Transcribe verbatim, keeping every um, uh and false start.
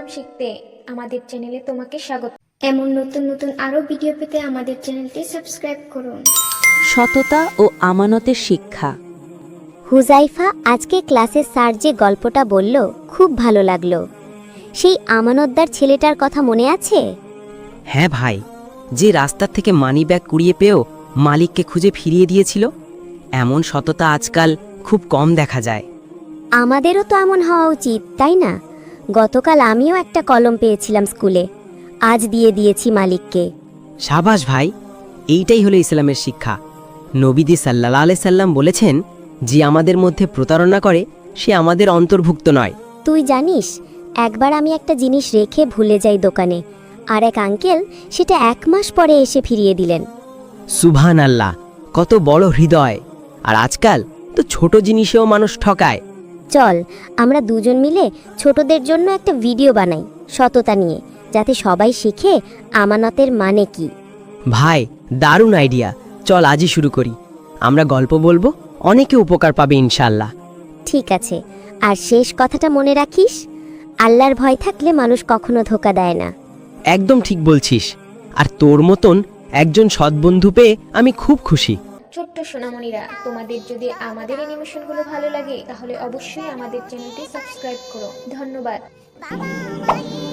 ইসলাম শিখতে আমাদের চ্যানেলে তোমাকে স্বাগত। এমন নতুন নতুন আরো ভিডিও পেতে আমাদের চ্যানেলটি সাবস্ক্রাইব করুন। সততা ও আমানতের শিক্ষা। হুজাইফা, আজকে ক্লাসে স্যার যে গল্পটা বলল খুব ভালো লাগলো। সেই আমানতদার ছেলেটার কথা মনে আছে? হ্যাঁ ভাই, যে রাস্তার থেকে মানি ব্যাগ কুড়িয়ে পেয়েও মালিককে খুঁজে ফিরিয়ে দিয়েছিল। এমন সততা আজকাল খুব কম দেখা যায়। আমাদেরও তো এমন হওয়া উচিত, তাই না? গতকাল আমিও একটা কলম পেয়েছিলাম স্কুলে, আজ দিয়ে দিয়েছি মালিককে। সাবাস ভাই, এইটাই হলো ইসলামের শিক্ষা। নবীজি সাল্লাল্লাহু আলাইহি সাল্লাম বলেছেন, যে আমাদের মধ্যে প্রতারণা করে সে আমাদের অন্তর্ভুক্ত নয়। তুই জানিস, একবার আমি একটা জিনিস রেখে ভুলে যাই দোকানে, আর এক আঙ্কেল সেটা এক মাস পরে এসে ফিরিয়ে দিলেন। সুবহান আল্লাহ, কত বড় হৃদয়! আর আজকাল তো ছোট জিনিসেও মানুষ ঠকায়। চল আমরা দুজন মিলে ছোটদের জন্য একটা ভিডিও বানাই সততা নিয়ে, যাতে সবাই শিখে আমানতের মানে কি। ভাই, দারুণ আইডিয়া! চল আজই শুরু করি। আমরা গল্প বলবো, অনেকে উপকার পাবে ইনশাআল্লাহ। ঠিক আছে, আর শেষ কথাটা মনে রাখিস, আল্লাহর ভয় থাকলে মানুষ কখনো ধোঁকা দেয় না। একদম ঠিক বলছিস। আর তোর মতন একজন সৎবন্ধু পেয়ে আমি খুব খুশি। ছোট্ট সোনামণিরা, তোমাদের যদি আমাদের অ্যানিমেশনগুলো ভালো লাগে তাহলে অবশ্যই আমাদের চ্যানেলটি সাবস্ক্রাইব করো। ধন্যবাদ।